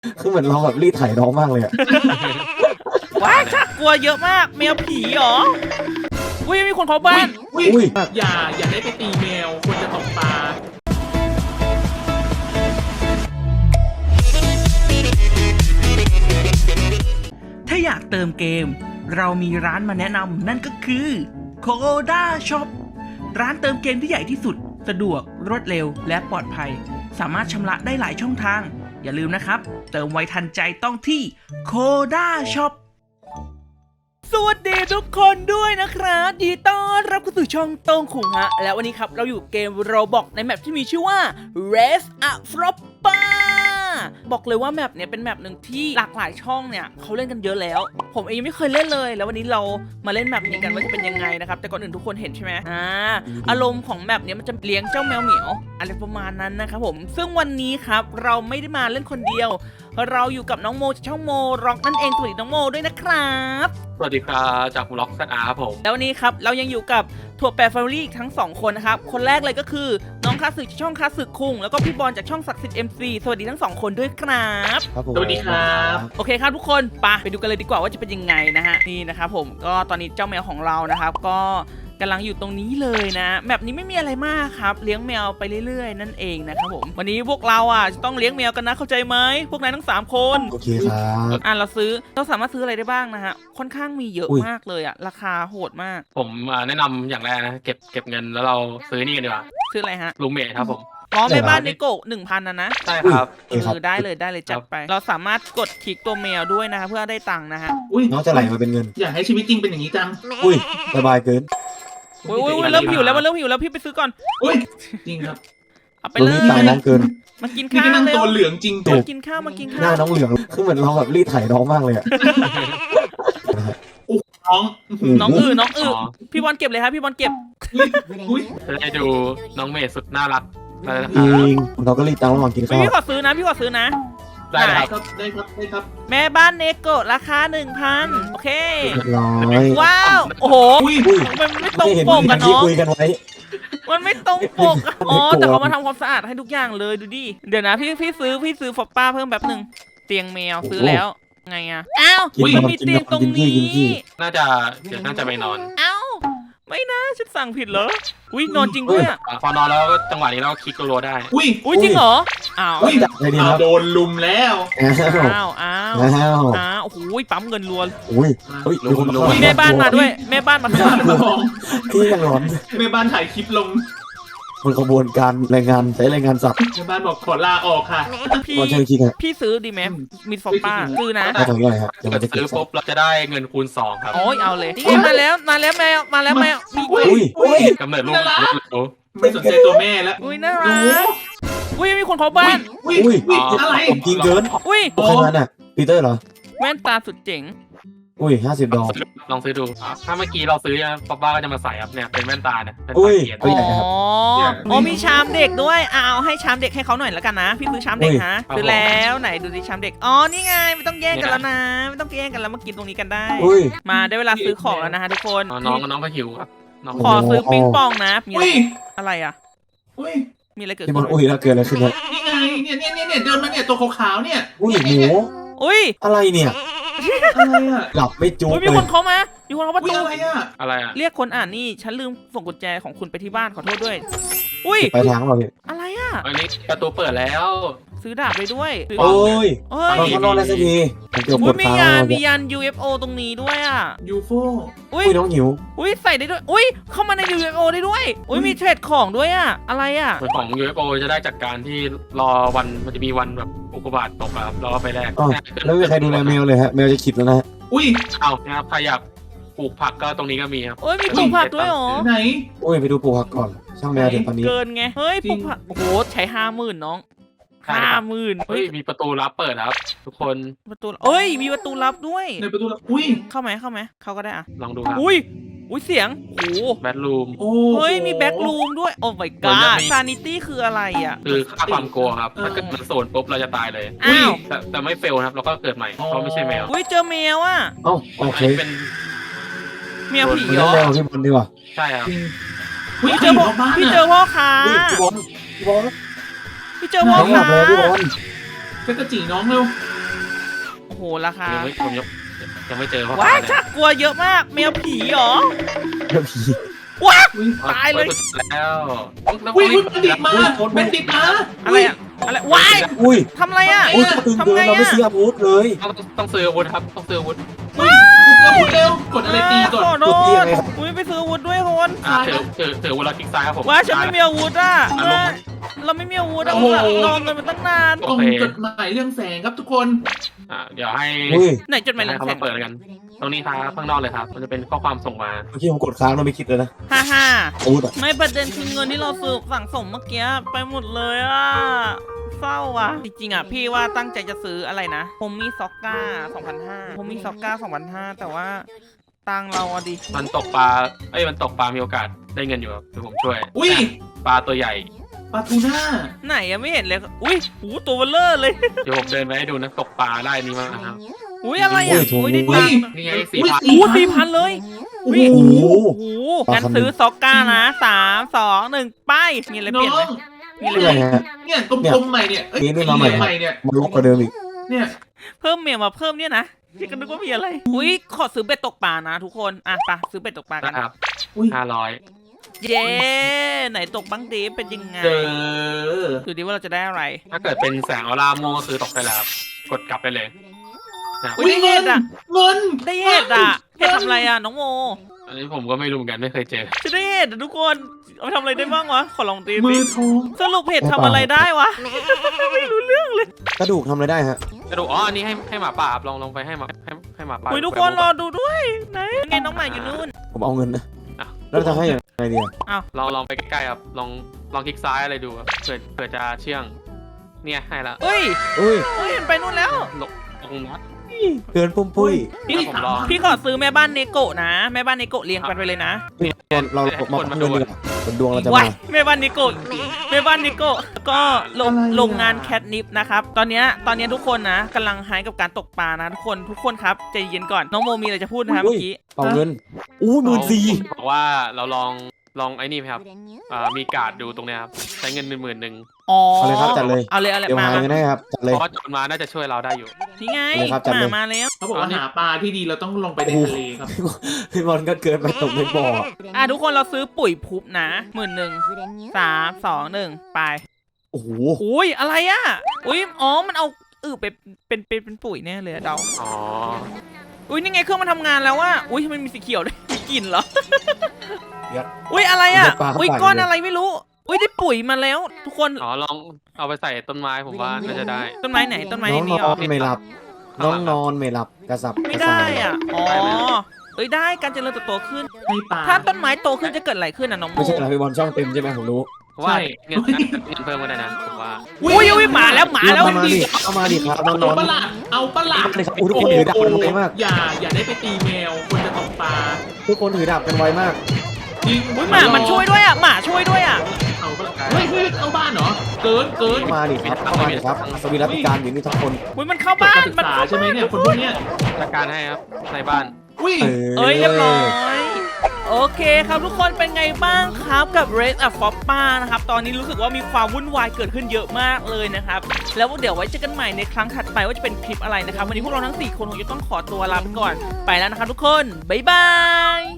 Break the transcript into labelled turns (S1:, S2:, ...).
S1: คือเหมือนเราแบบรีดไถน้องมากเลยอะ
S2: ว้ายชักกลัวเยอะมากแมวผีเหรออุ้ยมีคนเผาบ้าน
S1: อุ้ย
S3: อย่าได้ไปตีแมวควรจะตกปลา
S4: ถ้าอยากเติมเกม เรามีร้านมาแนะนำนั่นก็คือ Koda Shop ร้านเติมเกมที่ใหญ่ที่สุดสะดวกรวดเร็วและปลอดภัย สามารถชำระได้หลายช่องทาง อย่าลืมนะครับ เติมไวทันใจต้องที่ Koda Shop
S2: สวัสดีทุกคนด้วยนะครับยินดีต้อนรับเข้าสู่ช่องโต้งขุงฮะแล้ววันนี้ครับเราอยู่เกม Roblox ในแมปที่มีชื่อว่า Race a Flopper บอกเลยว่าแมปเนี้ยเป็นแมปหนึ่งที่หลากหลายช่องเนี่ยเขาเล่นกันเยอะแล้ว ผมเองยังไม่เคยเล่นเลย แล้ววันนี้เรามาเล่นแมปนี้กันว่าจะเป็นยังไงนะครับแต่ก่อนอื่นทุกคนเห็นใช่ไหมอารมณ์ของแมปเนี้ยมันจะเลี้ยงเจ้าแมวเหมียวอะไรประมาณนั้นนะครับผมซึ่งวันนี้ครับเราไม่ได้มาเล่นคนเดียวเราอยู่กับน้องโมจากช่องโมร็อกนั่นเองสวัสดีน้องโมด้วยนะครับ
S3: สวัสดีครับจากล็อกซันอาครับผม
S2: แล้ววันนี้ครับเรายังอยู่กับถั่วแปรแฟมิลี่ทั้ง2คนนะครับคนแรกเลยก็คือน้องคาสึจากช่องคาสึคุงแล้วก็พี่บอลจากช่องศักดิ์สิทธิ์ MC สวัสดีทั้ง2คนด้วยครับ
S1: ครับผม
S3: สวัสดีครับ
S2: โอเคครับทุกคนไปดูกันเลยดีกว่าว่าจะเป็นยังไงนะฮะนี่นะครับผมก็ตอนนี้เจ้าแมวของเรานะครับก็กำลังอยู่ตรงนี้เลยนะแบบนี้ไม่มีอะไรมากครับเลี้ยงแมวไปเรื่อยๆนั่นเองนะครับผมวันนี้พวกเราจะต้องเลี้ยงแมวกันนะเข้าใจไหมพวกนายทั้ง3คน
S1: โอเคครับ
S2: เราสามารถซื้ออะไรได้บ้างนะฮะค่อนข้างมีเยอะมากเลยราคาโหดมาก
S3: ผมแนะนำอย่างแรกนะเก็บเงินแล้วเราซื้อนี่กันดีกว่า
S2: ซื้ออะไรฮะ
S3: รูมเมทครับผม
S2: แม่บ้านในโกะ 1,000นะ
S3: ใช่ครับ
S2: ได้เลยจัดไปเราสามารถกดคลิกตัวแมวด้วยนะเพื่อได้ตังค์นะฮะ
S1: น้องจะไหลมาเป็นเงิน
S3: อยากให้ชีวิตจริงเป็นอย่างนี้จัง
S1: อุ้ยสบายเกิน
S2: อุ้ยเริ่มหิวแล้วพี่ไปซื้อก่อน
S3: อุ้ยจริงครับ
S2: เอาไป
S1: ตรง
S2: เล
S1: นี้
S2: ย
S1: ตายน้องเกิน
S2: มากิน
S3: นี่
S2: ข้าว
S3: ก็นั่ง
S2: เร็
S3: ตัว วเหลืองจริง
S2: มากินข้าว
S1: หน้าน้องเหลืองคือเหมือนเราแบบรีดไถน้องมากเลยอะ
S3: น้อง
S2: น้องพี่บอลเก็บเลยครับพี่บอลเก็บ
S3: อุ้ยจะได้ดูน้องเมย์สุดน่ารักได้นะค
S1: จ
S3: รับ
S1: ริงเราก็รีดตังค์ระหว่างกินข้าว
S2: พี่ขอซื้อนะ
S3: ได้ครับได้ครับ
S2: แม่บ้านเนโกะราคา 1,000โอเค
S1: เรียบร้อย
S2: ว้าวโอ้โห
S1: อุ้ย
S2: มันไม่ตรง
S1: ไม่เห็น
S2: ปกกัน
S1: ที่
S2: เนาะ
S1: คุยกันไว้
S2: มันไม่ตรงปกอะอ๋อแต่เขามาทำความสะอาดให้ทุกอย่างเลยดูดิเดี๋ยวนะพี่ซื้อฟอปป้าเพิ่มแบบหนึ่งเตียงแมวซื้อแล้วไงอะอ้าวมันมีเตียงตรงนี้
S3: น่าจะไปนอน
S2: เอ้าไม่นะฉันสั่งผิดเหรออุ้ยนอนจริงด้วยอะ
S3: พอนอนแล้วก็จังหวะนี้เราคลิกรัวได้
S2: อุ้ยจริงเหรออ้าว
S1: จับได้ดีครับ
S3: โดนลุมแล้ว
S1: อ้าว
S2: โอ้โหปั๊มเงินรัว
S1: อุ้ยเฮ้ยมีคนเข้า
S2: มีแม่บ้านมาด้วยแม่บ้านมาข้างหลัง
S1: ที่ยังร้อน
S3: แม่บ้านถ่ายคลิปลง
S1: มันขบวนการแรงงานใช้แรงงานสัตว์
S3: แม่บ้านบอกขอลาออกค่ะ
S2: พี่
S1: ก่อนเชิญคิดครับ
S2: พี่ซื้อดีไหมมีฟอปป้าซื้อนะ
S1: ถ้าตรงนี้อะไรครับเดี๋ยว
S3: เกิ
S1: มัน
S3: ด
S1: จะเก็
S3: ซื้
S1: บ
S3: อปุ๊บเราจะได้เงินคูณ2ครับ
S2: โอ้ยเอาเลยนี่มาแล้วแมวมี
S1: อุ้ย
S3: กำเนิดลูก
S5: ไม่สนใจตัวแม่แล้ว
S2: อุ้ยน่ารักอุ้ยมีคนเผาบ้าน
S1: อุ้ย
S5: อะไร
S1: ผมจริงเกิน
S2: อุ้ย
S1: ใครมาน่ะปีเตอร์เหรอ
S2: แว่นตาสุดเจ๋ง
S1: อุ้ย50 ดอก
S3: ลองซื้อดูถ้าเมื่อกี้เราซื้อป๊อปป้าก็จะมาใส่ครับเนี่ยเป็นแว่นตาเนี่ยเป็น
S1: อุ้
S3: ตาย เขียน
S1: ตัวใหญ่ครับ
S2: อ๋อมีชามเด็กด้วยเอาให้ชามเด็กให้เขาหน่อยแล้วกันนะ พี่ซื้อชามเด็กฮะซื้อแล้วไหนดูสิชามเด็ก อ๋อ นี่ไงไม่ต้องแย่งกันแล้วนะ ไม่ต้องแย่งกันแล้วมากินตรงนี้กันได้
S1: อุ้ย
S2: มาได้เวลาซื้อของแล้วนะฮะทุกคน
S3: น้องก็หิวครับน้อง
S2: ขอซื้อปิงปองนะ มี
S5: อุ้ย
S2: อะไรอ่ะ
S5: อุ้ย
S2: มีอะไรเกิด
S1: ที่
S2: ขึ้
S1: มัน นอุ้ยแล้วเกิดอะไรขึ้นเนี่ย
S5: นี่ไงเนี่ยเดินมาเนี่ยตัวขาวๆเนี่ย
S1: อุ้ยหมู
S2: อุ้ย
S1: อะไรเนี่ย
S5: อะไรอ่ะ
S1: หลับไม่จุก
S2: อุ้ย
S1: เล
S2: มี
S1: ย
S2: คนเข้ามามีคนเข้าประ
S5: อุ้ย
S2: ตู
S5: อะไรอ่ะ
S3: อะไรอ่ะ
S2: เรียกคนอ่านนี่ ฉันลืมส่งกุญแจของคุณไปที่บ้านขอโทษด้วย อุ้ย
S1: ไปทางเราพี่
S2: อะไรอ่ะ
S3: อันนี้ประตูเปิดแล้ว
S2: ซื้อดาบไปด้วยซื้อ
S1: โอ้ย
S2: เฮ้ย
S1: เราทดลองได้สักทีผมเกือบก
S2: อุ้ย
S1: ด
S2: มี
S1: ค้าง
S2: ยาน
S1: แล้ว
S2: มี
S1: เนี่ย
S2: ยาน UFO ตรงนี้ด้วยอ่ะ
S5: ยูโฟ
S2: อุ้ย
S1: อุ้ยน้องหิว
S2: อุ้ยใส่ได้ด้วย อุ้ยเข้ามาใน UFO ได้ด้วย อุ้ยมีเทรดของด้วยอ่ะ อะไรอ่ะ
S3: ส่วนของ UFO จะได้จากการที่รอวันมันจะมีวันแบบอุกกาบาตตกอะครับเราก็ไปแลก
S1: อ๋อแล้วไม่มีใครดูแลแมวเลยฮะแมวจะขิดแล้วนะฮะ
S5: อุ้ย
S3: เอานะครับใครอยากปลูกผักก็ตรงนี้ก็มีครับ
S2: โอ้ยมีปลูกผักด้วยเหรอ
S5: ไหน
S1: อุ้ยไปดูปลูกผักก่อน ช่างแมวเดี๋ยวตอนนี้
S2: เกินไง เฮ้ย
S5: จริ
S2: ปลู
S5: ง
S2: กผัก โอ้โห ใช้ 50,000น้อง
S3: ใช่ครับ
S2: 50,000
S3: เฮ้ยมีประตูลับเปิดครับ ทุกคน
S2: ประตูเอ้ย มีประตูลับด้วย
S5: ในประตูละอุ้ย
S2: เข้าไหมเข้าก็ได้อ่ะ
S3: ลองดูครับ
S2: อุ้ย อุ้ยเสียง โอ้โห
S3: แบทรูม
S5: โอ้
S2: เฮ้ย มีแบ็กรูมด้วย โอ้ my
S3: เหมือน
S2: god
S3: จะมี
S2: ซานิตี้คืออะไรอ่ะ
S3: คือค่าความกลัวครับถ้าเกิดมันโซนปุ๊บเราจะตายเลย
S2: อ้าว
S3: แต่ไม่เฟลนะครับเราก็เกิดใหม่เพราะไม่ใช่แมว
S2: อุ้ย เจอแมวอ่ะ
S1: เอ้าโอเค
S3: อันนี้เป็น
S2: แมวผี
S1: มัน
S2: เหร
S1: ต้อง
S2: อ
S1: แมวที่บนดีกว่า
S3: ใช่ครับ
S5: จริงอุ้ย
S2: พี่
S5: ใค
S2: เจ
S5: ร
S2: อ
S5: อ
S2: พ่อยู่
S5: บ้าน
S2: พี่เจ
S5: อ่ะ
S2: อพ่อค้า
S1: อุ้ยพี่บอล
S2: พี่เจอพ่อ
S1: น้องหลั
S2: ค้า
S1: บแล้วพี่บอล
S5: เป็นกระจีน้องเร็ว
S2: หราคา
S3: ยังไม่เจอเพราะ
S2: ว้ายชักกลัวเยอะมากแมวผีเหรอ
S1: เดี๋ยวผี
S2: ว้า
S5: อุ้ย
S2: ตายเลย
S3: แล้ว
S5: อุ้ยบัณฑิตมาบัณฑิตมา
S2: อะไรอะอะไรว้าย
S1: อุ้ย
S2: ทำอะไรอะ
S1: อุ้ยตึงเกินเราไม่ซื้ออาวุธเลย
S3: ต้องซื้ออาวุธครับต้องซื้ออาวุธ
S5: อุ้ยพูดเร็วกดอะไรตีก่อน
S2: ขอโท
S1: กดตี
S2: ษ
S1: ยังไงครับ
S2: อุ้ยไปซื้ออาวุธด้วยคน
S3: ถืออาวุธแล้วคลิกซ้ายครับผม
S2: ว้ายฉันไม่มีอาวุธอะเราไม่มีอาวุธอะรอเงินมาตั้งนาน
S5: ตรงจดหมายเรื่องแสงครับทุกคน
S3: เดี๋ยวให้
S1: อุ้ย
S2: ไหนจดหมายหลัง
S3: เขา
S2: แส
S3: มาง เปิดกันตรงนี้ครับข้างนอกเลยครับมันจะเป็นข้อความส่งมา
S1: เมื่อกี้ผมกดค้างเราไม่คิดเลยนะ
S2: ฮ่าฮ่า
S1: อาวุธอะ
S2: ไม่ประเด็นคือเงินที่เราซื้อสั่งสมเมื่อกี้ไปหมดเลยอะเศร้าอะจริงๆอะพี่ว่าตั้งใจจะซื้ออะไรนะผมมีซ็อกก้า 2,500ผมมีซ็อกก้า 2,500แต่ว่าตังเราอะดิ
S3: มันตกปลามันตกปลามีโอกาสได้เงินอยู่ครับเดี๋ยวผมช่วย
S5: อุ้ย
S3: ปลาตัวใหญ่
S5: ปลาทูน่า
S2: ไหนอะไม่เห็นเลยอุ้ยหูตัวเบลเลอร์เลย
S3: เดี๋ยวผมเดินไปให้ดูนะตกปลาได้นี่มากครับ
S2: อุ้ยอะไรอะอุ้ยได้ตังค์
S3: นี่ไง
S5: อุ้ย
S3: 4,000
S2: อู้4,000เลย
S1: โอ้
S2: อุ้ย
S1: โห
S2: โอ้โหงั้นซื้อซ็อกก้านะ3 2 1ไปมีอะไรเปลี่ยนไหมมีอะไร
S1: เพื่
S2: เป
S1: อ
S2: ลี่ยน
S1: ฮะ
S5: เนี่ยกลมๆใหม่เนี่ยเอ้ย
S1: นี่มาใหม่
S5: ใหม่เนี่ย
S1: มันลกกว่าเดิมอีก
S5: เนี่ย
S2: เพิ่มเมียมาเพิ่มเนี่ยนะพี่ก็นึกว่ามีอะไรอุ้ยขอซื้อเบ็ดตกปลานะทุกคนอ่ะไปซื้อเบ็ดตกปลากัน
S3: นะครับ
S5: อุ้ย
S3: 500
S2: เย้ไหนตกบ้างดีเป็นยังไง
S5: เจอ
S2: ดูดิว่าเราจะได้อะไร
S3: ถ้าเกิดเป็นแสงออร่าม่วงก็คือตกได้แล้วครับกดกลับไปเลยนะครับ
S2: อุ้ยได้เห็ดอ่ะ
S5: เงิน
S2: ได้เห็ดอ่ะเห็ดทำอะไรอ่ะน้องโม
S3: อันนี้ผมก็ไม่รู้เหมือนกันไม่เคยเจอ
S2: จะได้เห็ดอ่ะทุกคนเอาไปทำอะไรได้บ้างวะขอลองตี
S5: มื
S2: สิ
S5: อทอง
S2: สรุปเห็ดทำอะไรได้วะไม่รู้เรื่องเลย
S1: กระดูกทำอะไรได้ฮะ
S3: กระดูกอันนี้ให้หมาป่าครับลองไปให้หมาป่า
S2: อุ้ยทุกคนรอดูด้วยไหนไงน้องหมาอยู่นู่น
S1: ผมเอาเงินนะ
S3: อ่ะ
S1: แล้วจะให้ยังไงดีอะ
S3: ลองไปใกล้ๆครับลองคลิกซ้ายอะไรดูครับเผื่อจะเชื่องเนี่ยให้ละ
S2: เฮ้ย
S1: อุ้ย
S2: เฮ้ยมันไปนู่นแล้ว
S3: ลงนัด
S1: เกินปุ้มปุ้ย
S2: พี่
S3: ผมลอง
S2: พี่ขอซื้อแม่บ้านเนโกะนะแม่บ้านเนโกะเรียงกันไปเลยนะ
S1: เรามาพักเงินดีกว่าผลดวงเราจะ
S2: ว้า
S1: มา
S2: ยแม่บ้านนิโกะแม่บ้านนิโกะแล้วก็โรงงานแคทนิปนะครับตอนเนี้ยทุกคนนะกำลังไฮกับการตกปลานะทุกคนครับใจเย็นก่อนน้องโมมีอะไรจะพูดนะครับ
S1: อุ้
S2: เมื่
S1: ย
S2: อกี้
S1: เป่าเงินอู้14,000
S3: บอกว่าเราลองไอ้นี่ไหมครับมีการ์ดดูตรงเนี้ยครับใช้เงิน10,000
S2: อ๋อ
S1: เอาเลยครับจัดเลย
S2: เอาเลย
S1: เดี๋ยว
S2: มา
S1: หาเงินให้ครับจัดเลย
S3: เพราะว่าโจรมาน่าจะช่วยเราได้อยู่
S2: นี่ไง
S1: เอาเลยครับจัดเลย
S2: มาแล้ว
S5: เขาบอกว่าหาปลาที่ดีเราต้องลงไปในทะเลครับ
S1: พี่บอลก็เกินไปตกในบ่อ
S2: ทุกคนเราซื้อปุ๋ยพุบนะ11,000 3 2 1ไป
S1: โอ้โห
S2: อุ้ยอะไรอ่ะอุ้ยอ๋อมันเอาไปเป็นปุ๋ยแน่เลยอะเดา
S3: อ๋อ
S2: อุ้ยนี่ไงเครื่องมันทำงานแล้วว่าอุ้ยทำไมมีสีเขียวด้วยมีกลิ่นเหรอ
S1: เดี๋ยว
S2: อุ้ยอะไรอ่ะ
S1: เดี๋ยวปลาเข้า
S2: อุ้ย
S1: ปาก
S2: ก้อน
S1: เลย
S2: อะไรไม่รู้อุ้ยได้ปุ๋ยมาแล้ว ทุกคน
S3: อ๋อลองเอาไปใส่ต้นไม้ผมว่าน่าจะได้
S2: ต้นไม้ไหนต้นไม้
S1: น้อง
S2: นี่
S1: น
S2: เหร
S1: อ
S2: อน
S1: ไม่หลับ น้องนอนไม่หลับกระสับ
S2: ไม่
S1: กระ
S2: ได้
S1: ส่าย
S2: อ่ะอ๋อเอ้ยได้การเจริญเติบโตขึ้น
S5: ให้ปลา
S2: ถ้าต้นไม้โตขึ้นจะเกิดอะไรขึ้นอ่ะน้องโม
S1: ไม่ใช่เหรอพี่บอลช่องเต็มใช่ไหมผมรู้
S3: ว่า
S5: ใช่
S3: เงินเพิ่มก็ได้นะผมว่า
S2: อุ้ยมาแล้ว
S1: เอามาดิเอามาดิครับน้องน
S5: เอา
S1: อน
S5: ปลาเอาปลา
S1: เลยครับทุกคนถือดาบกันไวมาก
S5: อย่าได้ไปตีแมวคนจะตกปลา
S1: ทุกคนถือดาบกันไวมาก
S5: จริง
S2: อุ้ยหมามันช่วยด้วยอ่ะหมาช่วยด้วยอ่ะ
S5: เอาปลาเฮ้ยเอาบ้านเหรอเกิน
S1: เข้ามาดิครับเข้ามาดิครับสวีรัติการอยู่นี่ทุกคน
S2: อุ้ยมันเข้า
S5: จบ
S2: บ้า
S5: การ
S2: น
S5: ศึก
S2: มัน
S5: ษา
S2: เข้า
S5: ใช่ไหมเนี่ยคนพวกเนี้ย
S3: จัดการให้ครับในบ้าน
S5: อุ้ย
S2: เอ้ยเรียบร้อยโอเคครับทุกคนเป็นไงบ้างครับกับ Race of Foppa นะครับตอนนี้รู้สึกว่ามีความวุ่นวายเกิดขึ้นเยอะมากเลยนะครับแล้วเดี๋ยวไว้เจอกันใหม่ในครั้งถัดไปว่าจะเป็นคลิปอะไรนะครับวันนี้พวกเราทั้ง4คนคงจะต้องขอตัวลาไปก่อนไปแล้วนะครับทุกคนบ๊ายบาย